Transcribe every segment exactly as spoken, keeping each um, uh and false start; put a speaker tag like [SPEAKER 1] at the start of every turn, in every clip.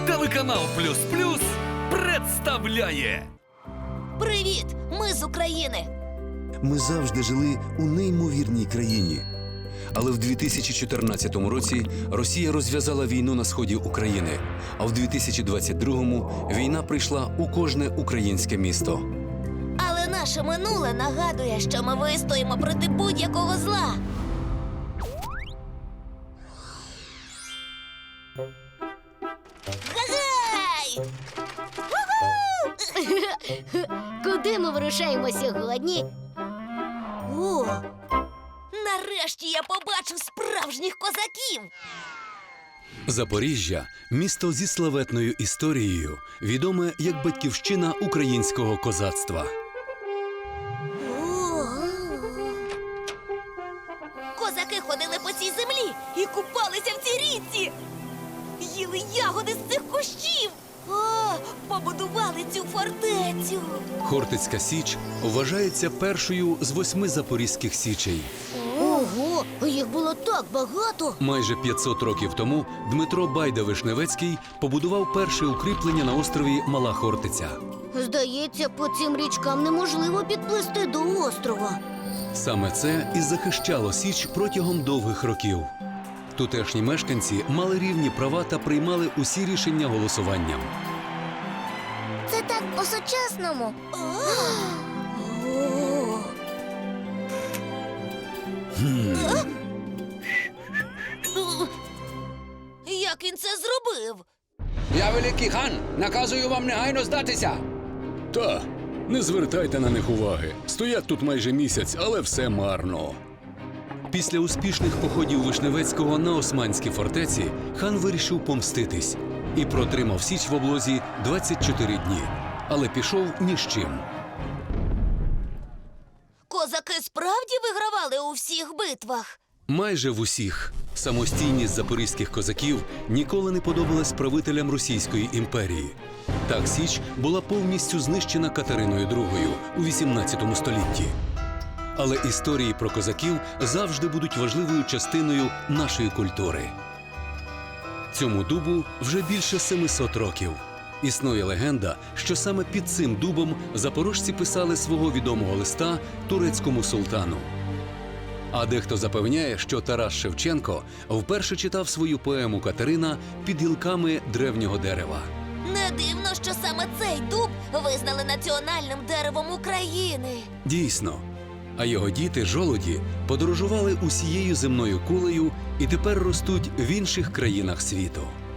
[SPEAKER 1] Телеканал Плюс Плюс представляє.
[SPEAKER 2] Привіт! Ми з України!
[SPEAKER 3] Ми завжди жили у неймовірній країні. Але в дві тисячі чотирнадцятому році Росія розв'язала війну на сході України, а в дві тисячі двадцять другому війна прийшла у кожне українське місто.
[SPEAKER 2] Але наше минуле нагадує, що ми вистоїмо проти будь-якого зла. Гагай!
[SPEAKER 4] Куди ми вирушаємо сьогодні?
[SPEAKER 2] О! Нарешті я побачив справжніх козаків!
[SPEAKER 3] Запоріжжя – місто зі славетною історією, відоме як батьківщина українського козацтва.
[SPEAKER 2] О! Козаки ходили по цій землі і купалися в цій річці! Їли ягоди з цих кущів! О, побудували цю фортецю!
[SPEAKER 3] Хортицька Січ вважається першою з восьми запорізьких січей.
[SPEAKER 4] Ого, їх було так багато.
[SPEAKER 3] Майже п'ятсот років тому Дмитро Байда-Вишневецький побудував перше укріплення на острові Мала Хортиця.
[SPEAKER 4] Здається, по цим річкам неможливо підплисти до острова.
[SPEAKER 3] Саме це і захищало Січ протягом довгих років. Тутешні мешканці мали рівні права та приймали усі рішення голосуванням.
[SPEAKER 4] Це так по-сучасному.
[SPEAKER 2] О! Як він це зробив?
[SPEAKER 5] Я великий хан, наказую вам негайно здатися.
[SPEAKER 3] Та, не звертайте на них уваги. Стоять тут майже місяць, але все марно. Після успішних походів Вишневецького на османські фортеці хан вирішив помститись і протримав Січ в облозі двадцять чотири дні, але пішов ні з чим.
[SPEAKER 2] Козаки справді вигравали у всіх битвах?
[SPEAKER 3] Майже в усіх. Самостійність запорізьких козаків ніколи не подобалась правителям Російської імперії. Так Січ була повністю знищена Катериною другою у вісімнадцятому столітті. Але історії про козаків завжди будуть важливою частиною нашої культури. Цьому дубу вже більше семисот років. Існує легенда, що саме під цим дубом запорожці писали свого відомого листа турецькому султану. А дехто запевняє, що Тарас Шевченко вперше читав свою поему «Катерина» під гілками древнього дерева.
[SPEAKER 2] Не дивно, що саме цей дуб визнали національним деревом України.
[SPEAKER 3] Дійсно. А його діти, жолуді, подорожували усією земною кулею і тепер ростуть в інших країнах світу.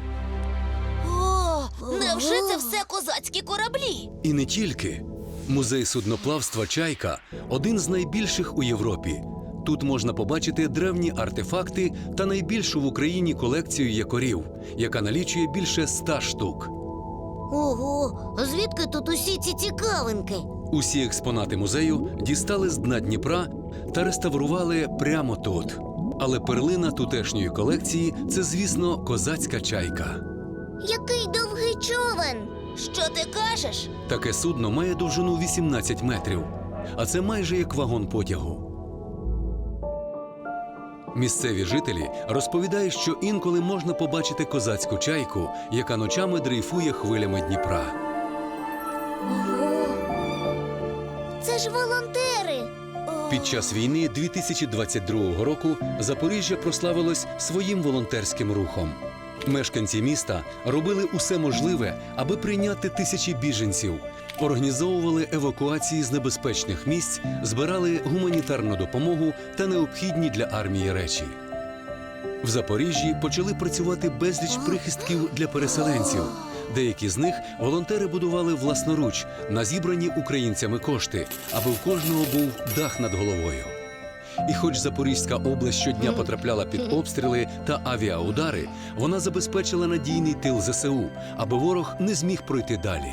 [SPEAKER 2] О, невже це все козацькі кораблі?
[SPEAKER 3] І не тільки. Музей судноплавства «Чайка» – один з найбільших у Європі. Тут можна побачити древні артефакти та найбільшу в Україні колекцію якорів, яка налічує більше ста штук.
[SPEAKER 4] Ого, звідки тут усі ці цікавинки?
[SPEAKER 3] Усі експонати музею дістали з дна Дніпра та реставрували прямо тут. Але перлина тутешньої колекції – це, звісно, козацька чайка.
[SPEAKER 4] Який довгий човен!
[SPEAKER 2] Що ти кажеш?
[SPEAKER 3] Таке судно має довжину вісімнадцять метрів, а це майже як вагон потягу. Місцеві жителі розповідають, що інколи можна побачити козацьку чайку, яка ночами дрейфує хвилями Дніпра.
[SPEAKER 4] Ого! Це ж волонтери!
[SPEAKER 3] Під час війни дві тисячі двадцять другого року Запоріжжя прославилось своїм волонтерським рухом. Мешканці міста робили усе можливе, аби прийняти тисячі біженців, організовували евакуації з небезпечних місць, збирали гуманітарну допомогу та необхідні для армії речі. В Запоріжжі почали працювати безліч прихистків для переселенців. Деякі з них волонтери будували власноруч на зібрані українцями кошти, аби в кожного був дах над головою. І хоч Запорізька область щодня потрапляла під обстріли та авіаудари, вона забезпечила надійний тил зе се у, аби ворог не зміг пройти далі.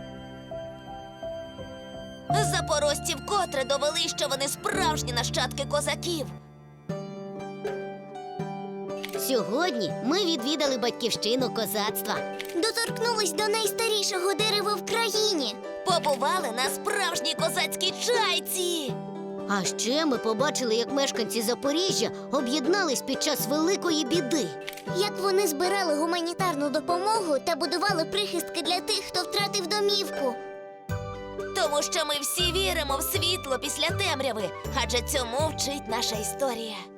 [SPEAKER 2] Запорожці вкотре довели, що вони справжні нащадки козаків.
[SPEAKER 4] Сьогодні ми відвідали батьківщину козацтва.
[SPEAKER 6] Доторкнулись до найстарішого дерева в країні.
[SPEAKER 2] Побували на справжній козацькій чайці.
[SPEAKER 4] А ще ми побачили, як мешканці Запоріжжя об'єднались під час великої біди. Як вони збирали гуманітарну допомогу та будували прихистки для тих, хто втратив домівку.
[SPEAKER 2] Тому що ми всі віримо в світло після темряви, адже цьому вчить наша історія.